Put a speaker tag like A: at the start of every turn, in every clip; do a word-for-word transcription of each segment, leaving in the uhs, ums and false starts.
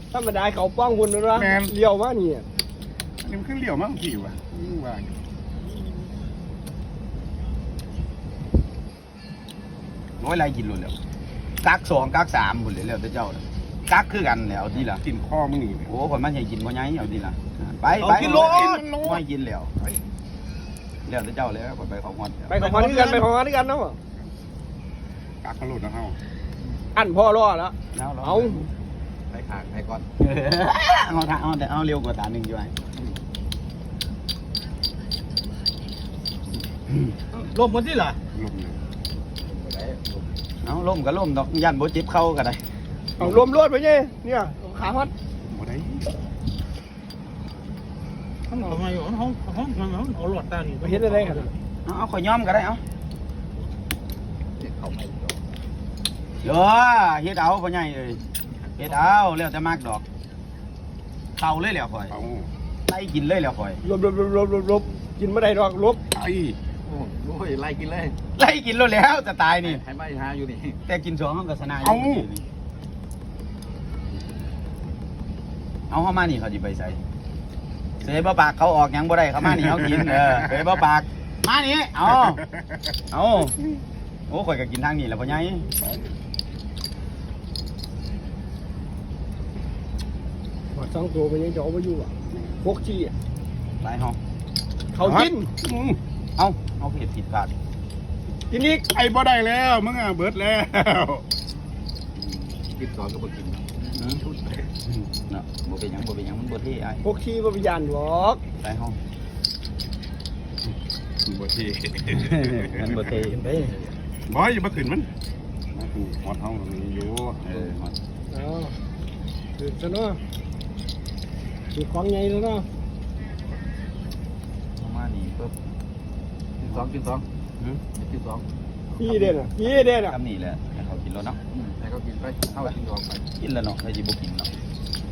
A: ธรรมดาเขาป้องคุณนะเลี้ยวมานี่
B: นี่มันขึ้นเลี้ยวมากพี่ว่ะว่าโอ้ยไรกินลุ้นแล้วกักสองกักสามหมดเลยแล้วเจ้ากักคือกันแล้วดีละกินข้อมึงนี่โอ้คนมันใหญ่กินพ่อใหญ่เอาดีละไปไปกินโลไม่กินแล้วแล้วเจ้าแล้วไปของงอน
A: ไปของงอนด้วยกันไปของงอนด้วยกันเนาะ
B: กักขลุ่นนะเฮา
A: อันพ่อรอแล้วเอา
B: ไปขางไปก่อนเอาท่าเอาแต่เอาเร็วกว่าตาหนึ่งอยู่ไง
A: ลมมันที่ล่ะ
B: ลมเอาลมก็ลมดอกยันโบจิบเข้ากันได้
A: เอาลมรวดไปเนี่ยเนี่ยขาพัด
B: โบได้
A: ห้องทำไมห้องห้องห้องห้องเอาหลอดตานี่ไปเห็นอะไรกัน
B: เอาเอาข่อยย้อมก็ได้เอาเยอะเฮ็ดเอาพ่อใหญ่เลยเฮ็ดเอาแล้วจะมากดอกเข่าเลยแล้วข่อยไล่กินเลยแล้วข่อย
A: ลบลบลบลบลบลบกินไม่ได้ดอกลบ
B: ไอ้
C: โอ้ยไล่กินเลย
B: ไล่กินแล้วจะตายนี่
C: ให้ไม่หาอยู่นี่
B: แต่กินสองห้องกับสนายเอาเอาเข้ามานี่เขาจะไปใส่เสยบ่ปากเขาออกยังบ่ได้เขามานี่เขากินเออเสยบ่ปากมานี่เอาเอาโอ้ข่อยก็กินทางนี้แหละพ่อใหญ่
A: หอดสองตัวไปยังจะเอาไปอยู่อ่ะพวกชี้อ่ะ
B: หลายห้อง
A: เขากิน
B: เอาเอาผิดผิดพลาด
A: กินอีก
B: ไอ้บ่ได้แล้วมึงอ่ะเบิดแล้ว
C: กินสองก็บ่กิน
B: ชุดเนาะบ่เป็นยังบ่เป็นยังมันบ่เท่ไอ้
A: พวกชี้บ่เป็นยันหรอก
B: หลายห้องบ่เท่มันบ่เท่เด้บ่อย่ามาขึ้นมันมาขึ้นฮอดห้องตรงนี้อยู่เออฮอด
A: อ๋อขึ้นซะเนาะขึ้นของใหญ่ซะเนาะ
B: มานี่ปุ๊บ
C: กินสองกินสองกินสอง
A: พี่เด่นอ่ะพี่เด่นอ่ะ
B: ทำนี่แหละให้เขากินแล้วเนาะ
C: ให้เขากินไปเข้ากินสองไป
B: กินแล้วเนาะใครจะบ่กินเนาะ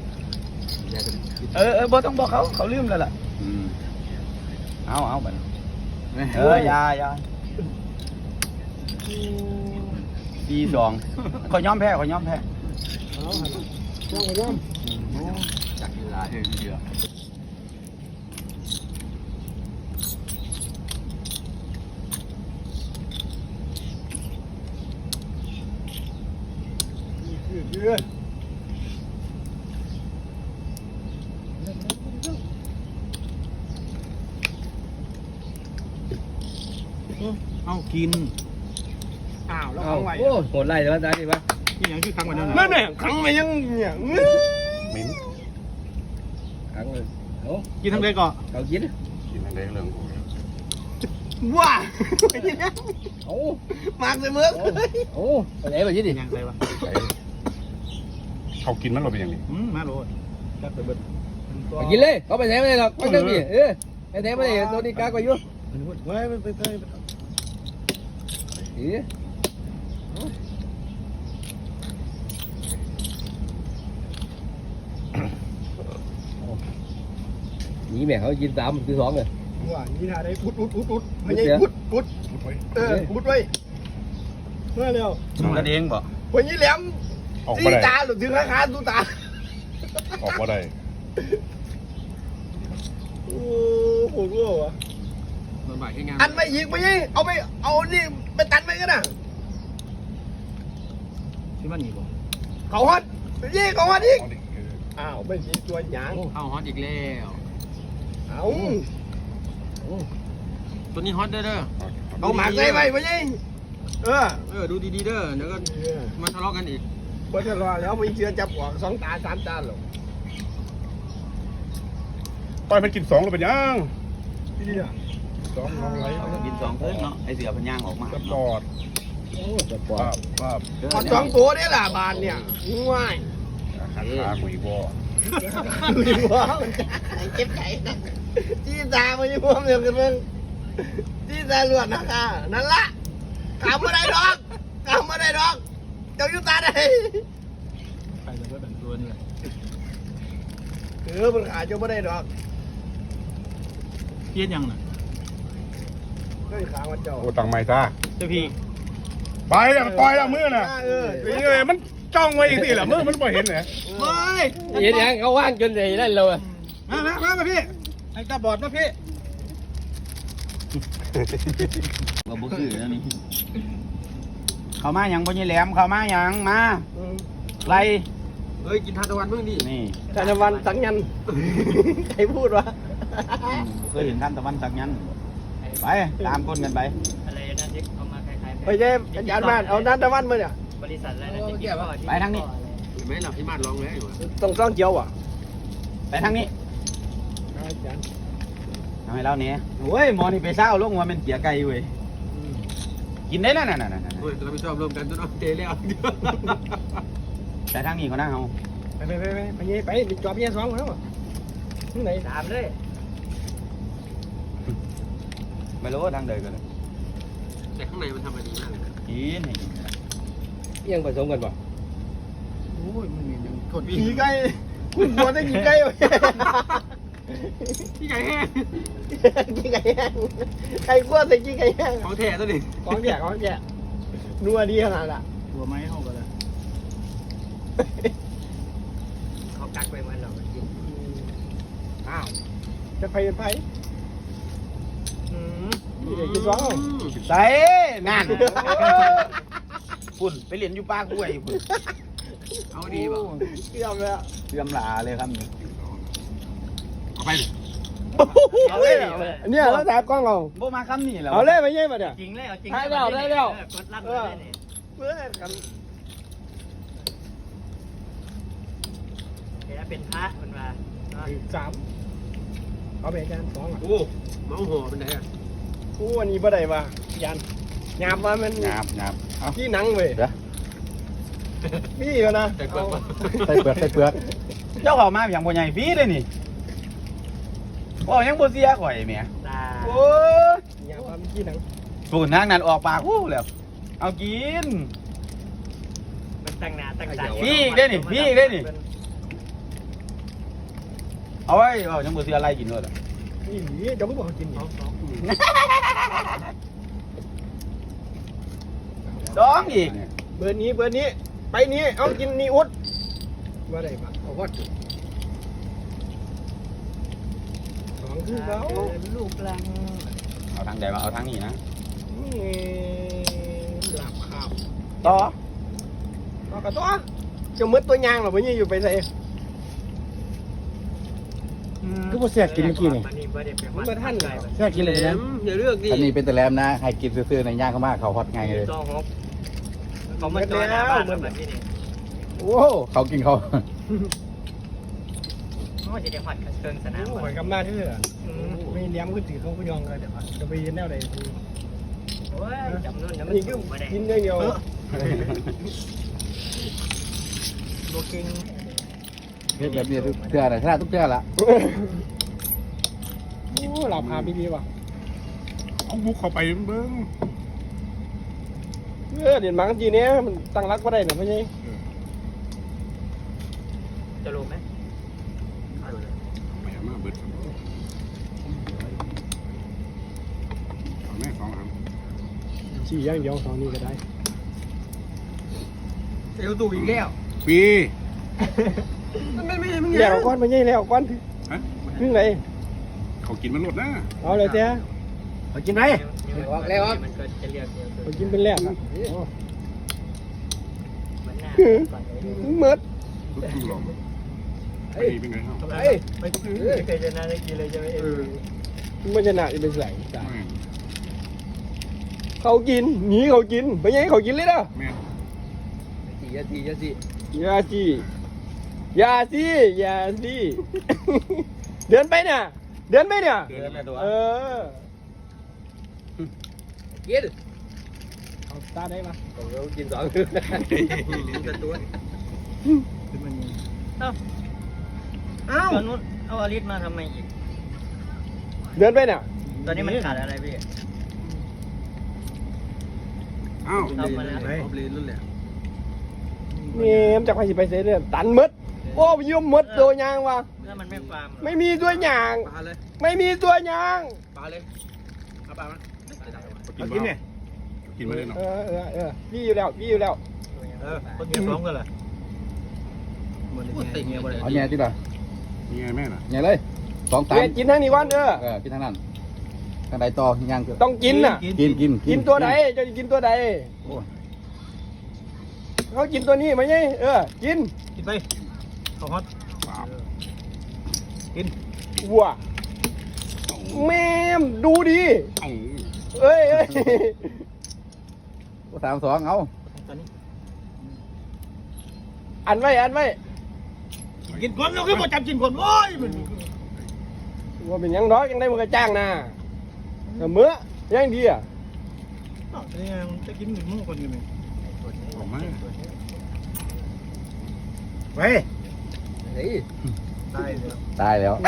B: เออเออบ่ต้องบอกเขาเขาลืมแล้วล่ะอืมเอาเอาบัดเออยายาปีสองเขาย้อมแพ้เขาย้อมแพ้
A: เอาย้อมย้อม
C: จักเวลาเฮ้ยเยอะ
A: เยอะ
C: เอากิน
A: อ้าวแล้วขังไว้
C: โอ้โหดไล่แล้วจ้าดิวะนี่ยังชื่อขังไว้นั่น
A: นั่นเนี่ยขังไว้ยังเนี่ย
B: เหม็น
C: ขังเลยโอ้กินทั้งเด็กก่อนเขากิน
B: กินทั้งเด็กเรื่อง
A: ว้าโอ้มากเลยเมื่อ
C: โอ้ไปไหนไปยี่ดิยังไงวะ
B: เขากินมันเราเป็นอย่างนี้
C: มาโรดจับไปเบิดกินเลยเขาไปไหนไม่ได้หรอกไม่ต้องดิเออไปไหนไม่ได้ตัวนี้กากไปยุ่ง
A: ไว้ไปไปไป
C: เอ๊ะนี่แม่เขากินสามคือสองเลย
A: ว่านี่ท่าได้พุดพุดพุดพุดไม่ใช่พุดพุดเออพุดไว้เมื่อเร็ว
B: กระเด้งบ่
A: วันนี้แหลมตีตาหรือถึงขาขาตูตา
B: ออกมาได้
A: โอ้โหรู้วะอันไม่ยิงไปยิงเอาไปเอานี่ไปตันไปกันนะ
C: ที่มันหนีบ่
A: เขาฮอตยิงเขาฮอตอีกอ้าวไม่ยิงตัวหยาง
C: เขาฮอตอีกแล้ว
A: เอา
C: ตัวนี้ฮอตเด้อเด้อ
A: เอาหมากใส่ไปไปยิงเออ
C: เออดูดีๆเด้อเดี๋ยวก็มาทะเลาะกันอีก
A: พอทะเลาะแล้วไม่เชื่อจับออกสองตาสามตาหรอก
B: ต่อยมันกินสองหรือเป็นยัง
A: นี่อ่ะสองน้องไร
B: กินสองเพิ่งเนาะไอเสือพันย่างออกมา
A: จะปอด
B: จะปอด
A: ปอดสองตัวนี่แหละบานเนี่ยง่าย
B: ขาขาคุยบ่
A: คุยบ่เจ็บใจจี้ตาไม่ยุ่งเดียวกันมึงจี้ตาหลวดนะคะนั่นละขำมาได้ดอกขำมาได้ดอกเจ้ายุตาได้
C: ใครจะเปิดตัวนี่
A: เออมันขาเจ้าไม่ได้ดอก
C: เพี้ยนยังน่ะ
A: ก็ขามันเจ้า
B: โอ้ตังไม่ซะ
C: เจ้าพี่
B: ไปแล้วปล่อยแล้วมือน่ะ
A: เออ
B: นี่เลยมัน
D: จ้องไว้อีกทีเหรอมึงมันบ่เห็นเหรอเฮ้ย
C: เห็นยังเขาว่างจนใหญ่ได้เลย
D: มามามามาพี่ไอ้ตาบอดมาพี่
B: เราบุกคือแล้วนี่เขามาอย่างพ่อใหญ่แหลมเขามาอย่างมาไร
A: เฮ้ยกินทานตะวันเพิ่งดิ
B: นี่
C: ธนวันสังยันใครพูดวะ
B: เคยเห็นท่านตะวันสักยันไปตามคนกันไป
E: อะไรนะที่เอามาคล้ายๆ
C: ไปเจ๊อาจารย์มาเอานันตะวันมาเนี่ย
E: บริษัทอะไรนะที่กิน
B: ไปทางนี้
A: ไม่หลับที่มาดร้องเลยอยู่
C: ต้องซ่องเจียวอ่ะ
B: ไปทางนี้
C: อาจารย์
B: ทำให้เราเนี่ยโอ้ยหมอนี่ไปเศร้าลงว่ามันเกียไก่เว้ยกินได้แล้วน่ะน่ะน่ะน่ะ
A: เฮ้ยเราไปชอบรวมกันจนเอาเทแล้ว
B: ไปทางนี้ก็น่าเอา
C: ไปไปไปไปไปเย่ไปไปจอบเย่สองแล้วที่ไหน
E: ตามเลย
B: ไม่รู้ทางเดินกันเลย
A: แต่ข้างในมันทำมาดีมากเลย
B: กินให้กิน
C: ยังผสมกันป่ะ
D: โอ้ยมึงนี่ยังกด
C: กี่ไก่คุณควรได้กี่ไก่วะ
A: พี่ไก่แห้ง
C: กี่ไก่แห้งใครกลัวใส่กี่ไก่แห้ง
A: ของแท้ตัวนี้
C: ของแจกของแจกนัวดีขนาดละ
D: ตัวไม้เข้ากันเลย
E: เขากักไว้มันเรากิน
C: อ้าวจะไปเป็นไผ่นี่เด็กกินสอง
B: ใส่นั่นคุณไปเรียนอยู่ปากกล้วยคุณ
A: เอาดีป่ะ
C: เกี่ยมเลย
B: เสื่อมหลาเลยครับนี่
D: เอาไปดิ
C: เอาเลยเนี่ยเราแถบกล้องเรา
B: โบมาคำนี่แล้ว
C: เอาเลยมาเย่มาเนี่ย
E: จริงเลยเอาจริง
C: ได้แล้วได้แล้ว
E: กดลั่นเลยนี่
C: เพื่อกัน
E: เดี๋ยวเป็นพระมันมา
C: สามเอาไปอาจารย์สองอ่ะ
A: โอ้เมาห่อเป็นไงอ่ะ
C: กูวันนี้บ่ได้ว่ายันหยาบว่ามัน
B: หยาบหยาบเอา
C: ที่หนังเว้ย
B: เดี๋ยว
C: พี่ก็นะ
A: แต่เกิดมา
C: ใส่เปลือกใส่เปลือก
B: เจ้าเขามาอย่างบ่ใหญ่ฟรีเลยนี่ว่ายังบ่เสียข่อยแหม่
E: ตา
B: โอ้ย
C: หยาบว่ามันที่หนัง
B: สูนทางนั้นออกปากวู้แล้ว เอากิน
E: มันตั้งหน้าตั้งตา
B: พี่อีกได้นี่พี่อีกได้นี่ เอาไว้เอายังบ่เสียอะไรกินเลย
C: นี่เดี๋ยวมึงบอกเขากินเขา
B: ดองอีก
C: เบอร์นี้เบอร์นี้ไปนี้เอากินนี่อุดว่าได้ปะเอาวัดสองคือเขา
E: ลูกลัง
B: เอาทางใดมาเอาทางนี้นะ
C: นี่หลับข้าว
B: ต่อ
C: ต่อกับตัวจะมืดตัวยางหรอไม่ยี่อยู่ไปใส่
D: ก็พอแซ่กินเมื่อกี้นี่
E: มันนี่บ่ได้ไป
C: มันมาท่านเลย
D: แซ่กินเลยนะ
A: อย่าเลือกดิ
D: อันนี้เป็นแต่แรมนะให้กินซื่อๆในย่างเขามากเขาฮอตไงเลย
E: จองฮกเขามาจอยหน้าบ้านแบบนี้นี่
D: โอ้เขากินเขา
E: เขาจะได้หอดเครื่องสนาม
C: หอยกำมาเถอะไม่เลี้ยงขึ้นถือเขาก็ยองเลยเดี๋ยวจะไปยืนแนวใด
E: โอ้ยจำนู่นนะมัน
C: นี่คือ
E: มาได้
C: กินอย่างเดียว
E: โบกิ้ง
D: เฮ็ดแบบนี้ทุกเทื่อนะชนะทุกเทื่อละ
C: โอ้หลับพาพี่พี่ว่ะ
D: เอาบุกเข้าไปเบิ้ง
C: เออเดี๋ยวมังจีเนี้ยมันตั้งรักก็ได้หนูไม่ใช่
E: จะรู้ไหม
D: ไปมาเบิดแม่สองอัน
C: สี่อย่างเดียวสองนี้ก็ได้
A: เอวตู่อีกแล้ว
D: ปี
A: มันไม่ไม่ไม่
C: แล้วก้อนไม่ใช่แล้วก้อน
D: ฮะ
C: ถึงไหน
D: เขากินมันหมดนะ
C: เอาเลยเจ้า
B: เอากินไหม
E: มันก็จะเรียกเดียว
C: ไปกินเป็นแรกอ่ะ
E: มันหน้าก่อนเลย
C: ถึงเมิด
D: ทุกทุกหลอมไปเป็นไงครับ
C: เอ้ย
E: ไม่เคยชนะได้กินเลยใช่ไหมเออ
C: ถึงมันชนะจะเป็นใส่เขากินหนีเขากินไปยังเขากินเลยนะ
D: แม่
C: สี่ยาสี่ยาสี่ยาสี่ยาสี่ยาสี่เดินไปเนี่ยเดินไปเนี่ย
B: เดินไปตัว
C: เออกินเอาตาได้ปะเรากินสอง
A: เป็นตัว
E: เอ้าเอ้าตอนนู้นเอาอลิสมาทำไมอีก
C: เดินไปเนี่ย
E: ตอนนี้มันขาดอะไรพี่
D: อ้าว
E: เอามาแล้ว
A: ออฟเลนนั่นแหละ
C: นี่มันจะไปสิไปเสียเรื่องตันมดโอ้ยยุ่มมดตัวยางว่ะ
E: ถ้ามันไม่ฟาร์ม
C: ไม่มีตัวยาง
A: ปลาเลย
C: ไม่มีตัวยาง
A: ปลาเลยเอาปลามา
D: กินเนี่ยกินมาเลยเนาะ
C: เออเออเออพี่อยู่แล้วพี่อยู่แล้ว
E: เออคนเดียวพร้อมกันเหรอ
C: เ
E: ติ่งเงี้ยบ่ได้
D: เอาแง่ที่ละ
B: นี่ไงแม่น่ะ
D: แง่เลยสองตัน
C: เวียนกินทั้งนี้วันเออ
D: เออกินทั้งนั้นทางใดต่อย่าง
C: ต้องกินน่ะ
D: กินกิน
C: กินตัวไหนจะกินตัวใด
D: โอ้ย
C: เขากินตัวนี้ไหมเนี่ยเออกิน
E: กินไปข้าวฮอตกิน
C: วัวแม่มดูดี
B: เอ้า
C: เอ้ยเอ้ย
D: สามสองเอา
E: ตอนนี้
C: อันไว้อันไว้
E: กินคนเราคือบ่จับกินคนโอ้ยมัน
C: ว่าเป็นหยังน้อยยังได้มันก็จ้างนะแต่เมื่อยังดีอ่ะ
E: นี่จะกินหนึ่งมื้อคนอยู่นี่
B: ออกมา
E: เฮ้ย
C: เฮ้ย
E: ตายแล้ว
D: ตายแล้ว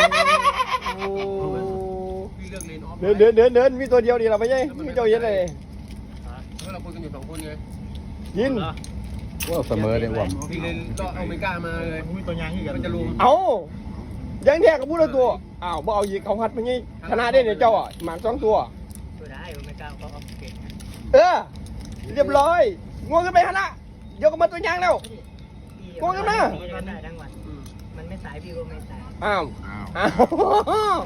C: เดินเดินเดินเดินมีตัวเดียวดีเราไม่ใช่มีเจ้าเย็นเลย
E: เราคุยกันอยู่สองคนไง
C: ยิน
D: ว่าเสมอเลยว่ะ
E: พี่เลยก็เอาไม่กล้ามาเลยมีตัวยางที่กันมันจะรู้
C: เอายังแท้กับพูดละตัวอ้าวบ่เอาอีกเขาหัดไปงี้ชนะได้เนี่ยเจ้าอ่ะหมากสองตัว
E: ตัวได้ไม่กล้าเขาเอาเก่ง
C: เออเรียบร้อยงวงกันไปฮะนะเดี๋ยวก็มาตัวยางแล้วงวงกันมา
E: ได้ทั้งวันมันไม่สายพี่ก็ไม่สาย
C: อ้าว
B: อ้าว
C: อ้าว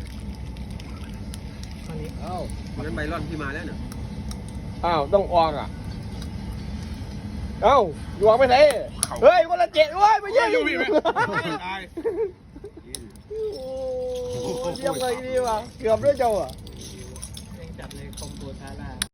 E: วันนี้เอ้ามันใบร่อนที่มาแล้วเนี่ย
C: อ้าวต้องออกอ่ะเอ้าอยู่ออกไปไหนเฮ้ยคนละเจ็ดเว้ยไม่ใช่
B: อยู่พี่ไหมตาย
C: โอ้เยี่ยมเลยดีว่ะเกือบด้วยเจ้าอ่ะ
E: จับเลยคอมโบทาร่า